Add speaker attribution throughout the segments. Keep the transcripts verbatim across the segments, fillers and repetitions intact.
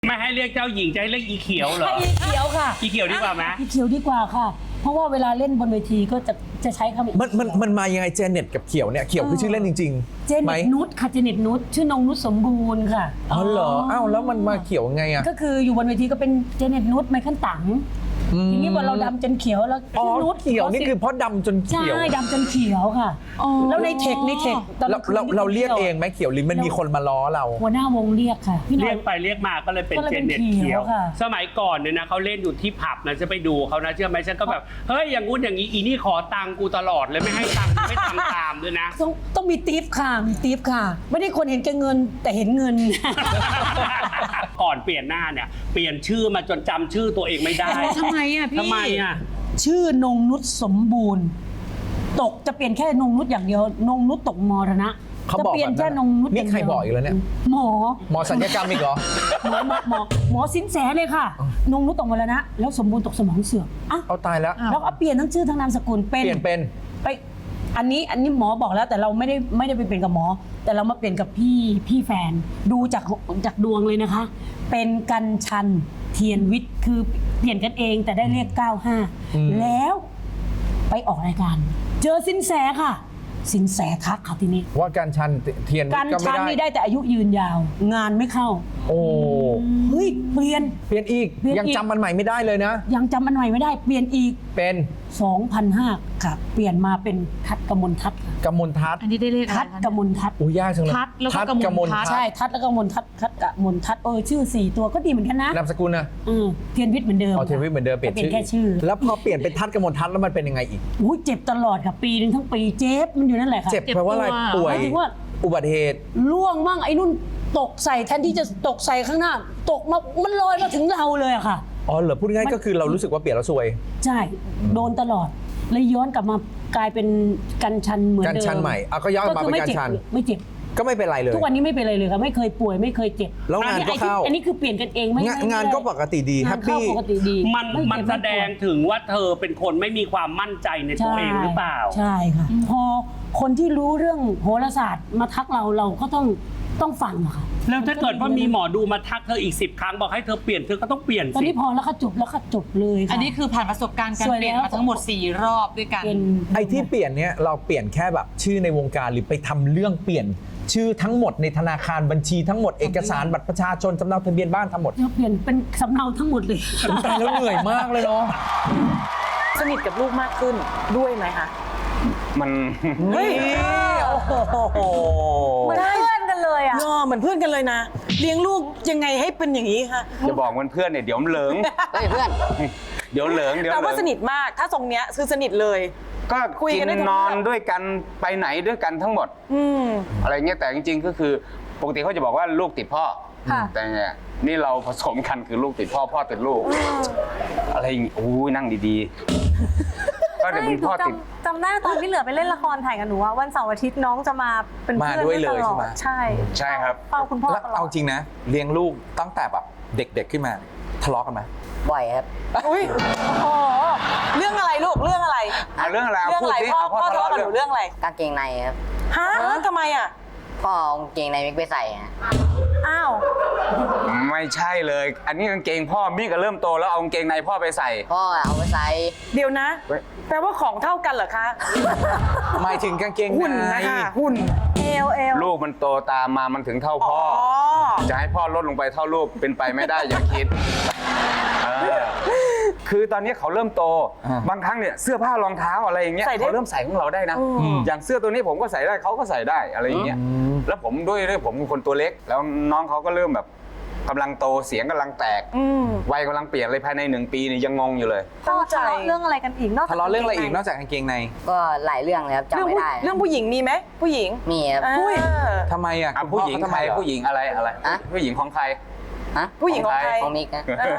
Speaker 1: ไม่ให้เรียกเจ้าหญิงจะให้เรียกอีเขียวเหรอ
Speaker 2: อีเขียวค่ะ
Speaker 1: อีเขียวดีกว่าไหม
Speaker 2: อีเขียวดีกว่าค่ะ เพราะว่าเวลาเล่นบนเวทีก็จะจะใช้คำ
Speaker 3: มันมันมันมายังไงเจเน็ตกับเขียวเนี่ยเขียวคือชื่อเล่นจริงๆ
Speaker 2: เจเน็
Speaker 3: ไหม
Speaker 2: ตนุชค่ะเจเน็ตนุชชื่อนงนุชสมบูรณ์ค่ะ
Speaker 3: อ๋อเหรออ้าวแล้วมันมาเขียวไงอ่ะ
Speaker 2: ก็คืออยู่บนเวทีก็เป็นเจเน็ตนุชไมเคิลตังทีนี้พอเราดำจนเขียวแล้ว
Speaker 3: อ๋อ
Speaker 2: ชื่อนุช
Speaker 3: เขียวนี่คือเพราะดำจน
Speaker 2: ใช่
Speaker 3: เขียว
Speaker 2: ดำจนเขียวค่ะแล้วในเทคในเทคตอน
Speaker 3: เรา
Speaker 2: คืน
Speaker 3: เรา
Speaker 2: ที่
Speaker 3: เราเรียก
Speaker 2: ที่ว
Speaker 3: เองไหมเขียวหรือมันมีคนมาล้อเรา
Speaker 2: หัวหน้าวงเรียกค่ะพี่หน่
Speaker 1: เรี
Speaker 2: อย
Speaker 1: กไปเรียกมาก็เลยเป็น
Speaker 2: ก็เลย
Speaker 1: เจ
Speaker 2: เป็น
Speaker 1: เน็ต
Speaker 2: เขี
Speaker 1: เขี
Speaker 2: ย
Speaker 1: ยว ว
Speaker 2: ค่ะ
Speaker 1: สมัยก่อนเนี่ยนะเขาเล่นอยู่ที่ผับนะจะไปดูเขานะเชื่อไหมฉันก็แบบเฮ้ยอย่างงู้นอย่างนี้อีนี่ขอตังค์กูตลอดเลยไม่ให้ตังค์ไม่ทำตามด้วยนะ
Speaker 2: ต้องต้องมีทิปค่ะมีทิปค่ะ ไม่ได้คนเห็นแก่เงินแต่เห็นเงิน
Speaker 1: ก่อนเปลี่ยนหน้าเนี่ยเปลี่ยนชื่อมาจนจำชื่อตัวเองไม่ได้
Speaker 4: ทำไมอ่ะพี่
Speaker 1: ทำไมอ่ะ
Speaker 2: ชื่อนงนุชสมบูรณ์ ตกจะเปลี่ยนแค่นงนุชอย่างเดียวนงนุชตกมรณะ
Speaker 3: เขา
Speaker 2: จะ
Speaker 3: บอก
Speaker 2: เปลี่ยน
Speaker 3: แบบนั้น
Speaker 2: แค่นงนุช
Speaker 3: นี่ใครบอกอีกแล้วเนี่ย
Speaker 2: หมอ
Speaker 3: หมอสัญญกรรมอีกเหรอ
Speaker 2: หมอหมอหมอหมอสินแสเลยค่ะ นงนุชตกมรณะแล้วสมบูรณ์ตกสมองเสื่อมอ่ะ
Speaker 3: เอาตายแล้ว
Speaker 2: แล้วก็เปลี่ยนทั้งชื่อทั้งนามสกุลเป็น
Speaker 3: เปลี่ยนเป็น
Speaker 2: ไปอันนี้อันนี้หมอบอกแล้วแต่เราไม่ได้ไม่ได้ไปเปลี่ยนกับหมอ แต่เรามาเปลี่ยนกับพี่พี่แฟนดูจากจากดวงเลยนะคะ เป็นกันชันเทียนวิทย์คือเปลี่ยนกันเองแต่ได้เรียกเก้าห้าแล้วไปออกรายการ เจอสินแสค่ะ สินแสทักค่ะทีนี้
Speaker 3: ว่าการชันเทียน
Speaker 2: กัน
Speaker 3: ก็ไม่
Speaker 2: ชัน
Speaker 3: ได้
Speaker 2: นี่ได้แต่อายุยืนยาว งานไม่เข้า
Speaker 3: โอ้
Speaker 2: เฮ้ยเปลี่ยน
Speaker 3: เปลี่ยนอีก
Speaker 2: เปลี่ยนอีก
Speaker 3: ยังจำมันใหม่ไม่ได้เลยนะ
Speaker 2: ยังจำมันใหม่ไม่ได้เปลี่ยนอีก
Speaker 3: เป็น
Speaker 2: สองพันห้าค่ะ เปลี่ยนมาเป็นทัดกมลทัศน์ค่ะ
Speaker 3: กมลทัศน์
Speaker 4: อันนี้ได้เลขอะไร
Speaker 2: ทัด
Speaker 4: คะ
Speaker 2: กมลทัศน์
Speaker 3: อุ้ยยากจังเลย
Speaker 4: ทัศน์แล้วก็
Speaker 3: ทัศน์
Speaker 4: กมลทัศน์
Speaker 2: ใช่ทัดแล้วก็มนทัดทัดกะมนทัดเออชื่อสี่ตัวก็ดีเหมือนกันนะ
Speaker 3: นามสกุลนะ
Speaker 2: อืมเทียนวิทย์เหมือนเดิม
Speaker 3: เอาเทียนวิทย์เหมือนเดิมเปลี่ยน
Speaker 2: เป็น
Speaker 3: ชื่อ
Speaker 2: แค่ชื่อ
Speaker 3: แล้วพอเปลี่ยนเป็นทัศน์กมลทัศน์แล้วมันเป็นยังไงอีก
Speaker 2: อุ้ยเจ็บตลอดค่ะปีหนึ่งทั้งปีเจ็บมันอยู่นั่นแหละค่ะ
Speaker 3: เจ็บแปลว่าอะไรป่วย
Speaker 2: หมายถึงว่า
Speaker 3: อุบัติเหตุ
Speaker 2: ล่วงบ้างไอ้นุ่นตกใส่แทนที่จะตกใส่ข้างหน้า ตกมามันลอยมาถึงเราเลยอะค่ะ
Speaker 3: อ๋อเหรอพูดง่ายๆก็คือเรารู้สึกว่าเปลี่ยนแล้วซวย
Speaker 2: ใช่โดนตลอดเลยย้อนกลับมากลายเป็นกันชันเหมือนเดิม
Speaker 3: กันชันใหม่อ่ะก็ย้อนกลับมาเป็นกันชัน
Speaker 2: ไม่เจ็บ
Speaker 3: ก็ไม่เป็นไรเลย
Speaker 2: ทุกวันนี้ไม่เป็นไรเลยค่ะไม่เคยป่วยไม่เคยเจ็บ
Speaker 3: แล้วงานก็เข้า
Speaker 2: อันนี้คือเปลี่ยนกันเองไม่
Speaker 3: งาน
Speaker 2: ไม่
Speaker 3: งานก็ปกติดี
Speaker 2: งา
Speaker 3: แฮ
Speaker 2: น
Speaker 3: ป
Speaker 2: เข้า
Speaker 3: ปี้
Speaker 2: ปกติดี
Speaker 1: มัน
Speaker 2: ไเจ็บ
Speaker 1: มันแสดงถึงว่าเธอเป็นคนไม่มีความมั่นใจในตัวเองหรือเปล่า
Speaker 2: ใช่ค่ะ พอคนที่รู้เรื่องโหราศาสตร์มาทักเราเราก็ต้องต้องฟังอะค่ะ
Speaker 1: แล้วถ้าเกิดว่ามีหมอดูมาทักเธออีกสิบครั้งบอกให้เธอเปลี่ยนเธอก็ต้องเปลี่ยน
Speaker 2: ตอน
Speaker 1: สิ
Speaker 2: นี้พอแล้วค่ะจบแล้วค่ะจบเลยค่ะ
Speaker 4: อันนี้คือผ่านประสบการณ์การ
Speaker 2: สวย
Speaker 4: เปลี่ยน
Speaker 2: แล้ว
Speaker 4: มาทั้งหมดสี่รอบด้วยกัน
Speaker 2: เป็น
Speaker 3: ไอ้ที่เปลี่ยนเนี่ยเราเปลี่ยนแค่แบบชื่อในวงการหรือไปทำเรื่องเปลี่ยน ชื่อทั้งหมดในธนาคารบัญชีทั้งหมดเอกสารบัตรประชาชนสำเนาทะเบียนบ้านทั้งหมด
Speaker 2: เราเปลี่ยนเป็นสำเนาทั้งหมดเลย
Speaker 3: ตายแล้วเหนื่อยมากเลยเนาะ
Speaker 5: สนิทกับลูกมากขึ้นด้วยไหมคะ
Speaker 6: มัน
Speaker 5: เฮ้ย
Speaker 3: โอ้โห
Speaker 5: เหมือนเพื่อนกันเลยอ่ะเหมือนเพื่อนกันเลยนะ เลี้ยงลูกยังไงให้เป็นอย่างนี้คะ
Speaker 6: จะบอกมันเพื่อนเนี่ยเดี๋ยวมันเหลิง
Speaker 5: เฮ้ยเพื่อน
Speaker 6: เดี๋ยวเหลิงเดี๋ยว
Speaker 5: แต่
Speaker 6: เหลิ
Speaker 5: ว่าง สนิทมาก ถ้าทรงเนี้ยคือสนิทเลย
Speaker 6: ก็
Speaker 5: คุย
Speaker 6: กิ
Speaker 5: กัน
Speaker 6: น
Speaker 5: ได้ทุก
Speaker 6: นอน
Speaker 5: เรื่อง
Speaker 6: ด้วยกันไปไหนด้วยกันทั้งหมด
Speaker 5: อืม
Speaker 6: อะไรเงี้ยแต่จริงๆก็คือปกติเขาจะบอกว่าลูกติดพ่อ
Speaker 5: ค่ะ
Speaker 6: แต่เนี่ยนี่เราผสมกันคือลูกติดพ่อพ่อติดลูก อะไรอย่างงี้โอ้ยนั่งดีๆก็เดี๋ยวเป็นพ่อติด
Speaker 7: จำได้ตอนที่เหลือไปเล่นละครถ่ายกับหนูอะวันเสาร์อาทิตย์น้องจะมาเป็น
Speaker 3: มา
Speaker 7: เพื่อน
Speaker 3: ด้วยเลย
Speaker 7: ตลอ
Speaker 3: ใช่ไหม
Speaker 7: ใช่
Speaker 6: ใช่ครับ
Speaker 7: เฝ้าคุณพ่อ
Speaker 3: แล้ว
Speaker 7: ตลอ
Speaker 3: เอา
Speaker 7: ด
Speaker 3: จริงนะ เลี้ยงลูกตั้งแต่แบบเด็กๆขึ้นมาทะเลาะกันไหม
Speaker 8: บ่อยครับ
Speaker 5: อุ้ยโอ้โหเรื่องอะไรลูก เรื่องอะไร
Speaker 6: อ่ะเรื่องอะไรเอา
Speaker 5: เรื่อง
Speaker 6: พูด
Speaker 5: อะไร
Speaker 6: สิ
Speaker 5: พ่อ
Speaker 6: เอา
Speaker 5: พ่อทะเลาะกับหนู
Speaker 6: เรื่อง
Speaker 5: เรื่องอะไร
Speaker 8: กางเกงในครับ
Speaker 5: ฮะทำไมอ่ะ
Speaker 8: พ่อเอากางเกงในมิกไปใส่ฮะ
Speaker 7: อ้าว
Speaker 6: ไม่ใช่เลย อันนี้กางเกงพ่อมิก็เริ่มโตแล้วเอากางเกงในพ่อไปใส่
Speaker 8: พ่อเอาไปใส่
Speaker 5: เดี๋ยวนะ
Speaker 6: เฮ้ย
Speaker 5: แปลว่าของเท่ากันเหรอคะ
Speaker 3: หมายถึงกางเกง
Speaker 5: หุ่น
Speaker 3: ใน
Speaker 5: นะคะหุ่น
Speaker 7: เอลเอล
Speaker 6: ลูกมันโตตามมามันถึงเท่าพ่อ
Speaker 5: อ๋อ
Speaker 6: จะให้พ่อลดลงไปเท่าลูกเป็นไปไม่ได้อย่าคิดเออคือตอนนี้เขาเริ่มโต
Speaker 3: อ่า
Speaker 6: บางครั้งเนี่ยเสื้อผ้ารองเท้าอะไรอย่างเงี้ย
Speaker 5: ใส่ได้
Speaker 6: เขาเริ่มใส่ของเราได้นะ อย่างเสื้อตัวนี้ผมก็ใส่ได้เขาก็ใส่ได้อะไรอย่างเงี้ยแล้วผมด้วยด้วยผมเป็นคนตัวเล็ก แล้วน้องเขาก็เริ่มแบบกำลังโตเสียงกำลังแตก
Speaker 5: อืม
Speaker 6: วัยกำลังเปลี่ยนเลยภายในหนึ่งปีนี่ยังงงอยู่เลย
Speaker 7: พ่อทะเลาะเรื่องอะไรกันอีกนอกจาก
Speaker 3: ทะเลาะเรื่องอะไรอีกนอกจากกางเกงใน
Speaker 8: ก็หลายเรื่องเลยครับ
Speaker 5: เรื่อง
Speaker 8: จำไม่
Speaker 5: ผู้
Speaker 8: ได้
Speaker 5: เรื่องผู้หญิงมีไหมผู้หญิง
Speaker 8: มีครับ
Speaker 5: อุ้ย
Speaker 3: ทำไมอ่ะ
Speaker 6: อ่ะ
Speaker 3: คุณ
Speaker 6: ผู้หญิง
Speaker 3: พ่อเขาทำ
Speaker 6: ใค
Speaker 3: ไม
Speaker 6: ร
Speaker 3: เหรอ
Speaker 6: ผู้หญิงอะไรอะไร
Speaker 8: อะ
Speaker 6: ผู้หญิงของใคร
Speaker 8: ฮะ
Speaker 5: ผู้หญิงของใคร
Speaker 8: ของมิกนะ
Speaker 5: เอ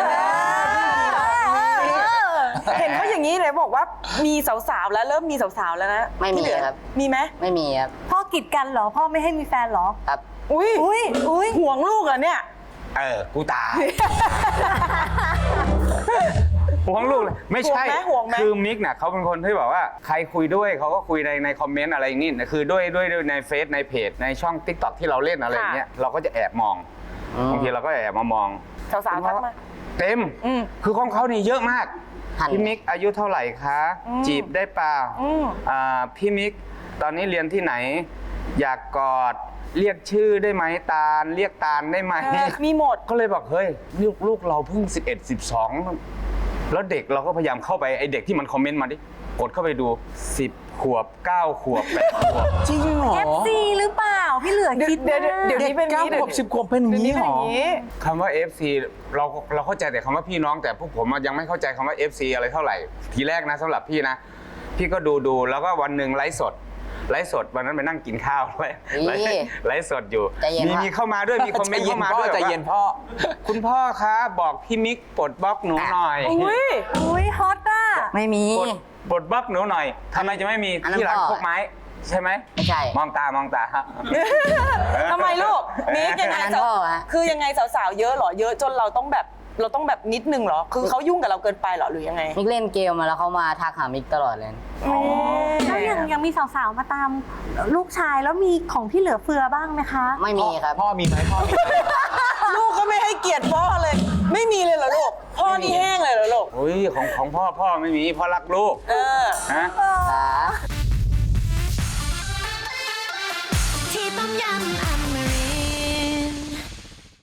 Speaker 5: อเห็นเขาอย่างนี้เลยบอกว่ามีสาวๆแล้วเริ่มมีสาวๆแล้วนะ
Speaker 8: ไม่มี
Speaker 5: ที่เหลือ
Speaker 8: ครับ
Speaker 5: มีไหม
Speaker 8: ไม่มีครับ
Speaker 7: พ่อกีดกันเหรอ พ่อไม่ให้มีแฟนเหรอ
Speaker 8: ครับ
Speaker 5: อุ้ย
Speaker 7: อุ้ยอุ้ย
Speaker 5: ห่วงลูกเหรอเนี่ย
Speaker 6: เออ กูตาย ห่วงลูกเลยไม่ใช่
Speaker 5: ห่วงไหมห่วงไหม
Speaker 6: คือมิกเนี่ยเขาเป็นคนที่แบบว่าใครคุยด้วยเขาก็คุยในในคอมเมนต์อะไรอย่างนี้นะคือด้วยด้วยด้วยในเฟซในเพจในช่อง ติ๊กต็อก ที่เราเล่นอะไรอย่างเงี้ยเราก็จะแอบมอง
Speaker 8: อืม
Speaker 6: บางทีเราก็แอบมามอง
Speaker 5: สาวๆทักมา
Speaker 6: เต็ม
Speaker 5: อืม
Speaker 6: คือของเขานี่เยอะมาก
Speaker 8: หัน
Speaker 6: พี่มิกอายุเท่าไหร่คะ
Speaker 5: อืม
Speaker 6: จีบได้เปล่า
Speaker 5: อืม
Speaker 6: อ่าพี่มิกตอนนี้เรียนที่ไหน อยากกอดเรียกชื่อได้ไหมตาล เรียกตาลได้ไหม
Speaker 5: เออมีหมด
Speaker 6: ก็เลยบอกเฮ้ยลูกลูกเราเพิ่งสิบเอ็ด สิบสองแล้วเด็กเราก็พยายามเข้าไปไอเด็กที่มันคอมเมนต์มาดิกดเข้าไปดูสิบขวบเก้าขวบแปดขวบ
Speaker 3: จริงเหรอ
Speaker 7: เอฟซีหรือเปล่า พี่เหลือ
Speaker 5: เดี๋ยว
Speaker 7: คิด
Speaker 5: เดี๋ยว
Speaker 7: มาก
Speaker 5: เดี๋ยวนี้เป็นอย่าง
Speaker 3: เก้า
Speaker 5: นี้
Speaker 3: ขวบสิบขวบเป็นอย่างนี้เหรอ
Speaker 6: คำว่า เอฟ ซี เราเราเข้าใจแต่คำว่าพี่น้องแต่พวกผมอะยังไม่เข้าใจคำว่า เอฟ ซี อะไรเท่าไหร่ ทีแรกนะสำหรับพี่นะ พี่ก็ดูดูแล้วก็วันหนึ่งไลฟ์สดไลฟ์สดวันนั้นไปนั่งกินข้าวไลฟ์ไลฟ์ไลฟ์สดอยู่
Speaker 8: ใจเย็น
Speaker 6: มี
Speaker 8: พ่อ
Speaker 6: มีเข้ามาด้วยมีคอมเมนต์เข้ามาด้วย
Speaker 3: ใจเย็นพ่อ
Speaker 6: ว่าคุณพ่อคะบอกพี่มิกปลดบล็อกหนูหน่อย
Speaker 5: อุ้ย
Speaker 7: อุ้ยฮอตอ่ะ
Speaker 8: ไม่มี
Speaker 6: ปลดปลดบล็อกหนูหน่อยทำไมจะไม่มี
Speaker 8: อันนั้น
Speaker 6: ที่ร้าน
Speaker 8: พ่อ
Speaker 6: โคกไม้ใช่ไหม
Speaker 8: ไม่ใช่
Speaker 6: มองตามองตา
Speaker 5: ทำไมลูกมิกยังไง
Speaker 8: อันนั้น
Speaker 5: สาว
Speaker 8: พ่อฮะ
Speaker 5: คือยังไงสาวๆเยอะเหรอ เยอะจนเราต้องแบบเราต้องแบบนิดนึงเหรอ คือเขายุ่งกับเราเกินไปเหรอหรือยังไง
Speaker 8: มิกเล่นเกมมาแล้วเขามาทักหามิกตลอดเลย
Speaker 7: แล้วยังยังมีสาวๆ มาตามลูกชายแล้วมีของพี่เหลือเฟือบ้างไหมคะ
Speaker 8: ไม่มีครับ
Speaker 3: พ่อมีไหมพ่อมีไหม
Speaker 5: ลูกก็ไม่ให้เกียรติพ่อเลย ไม่มีเลยเหรอลูก พ่อนี่แห้งเลยเหรอลูก
Speaker 6: โอ้ยของของพ่อพ่อไม่มีพ่อรักลูก
Speaker 5: เออ
Speaker 6: นะ
Speaker 7: เอ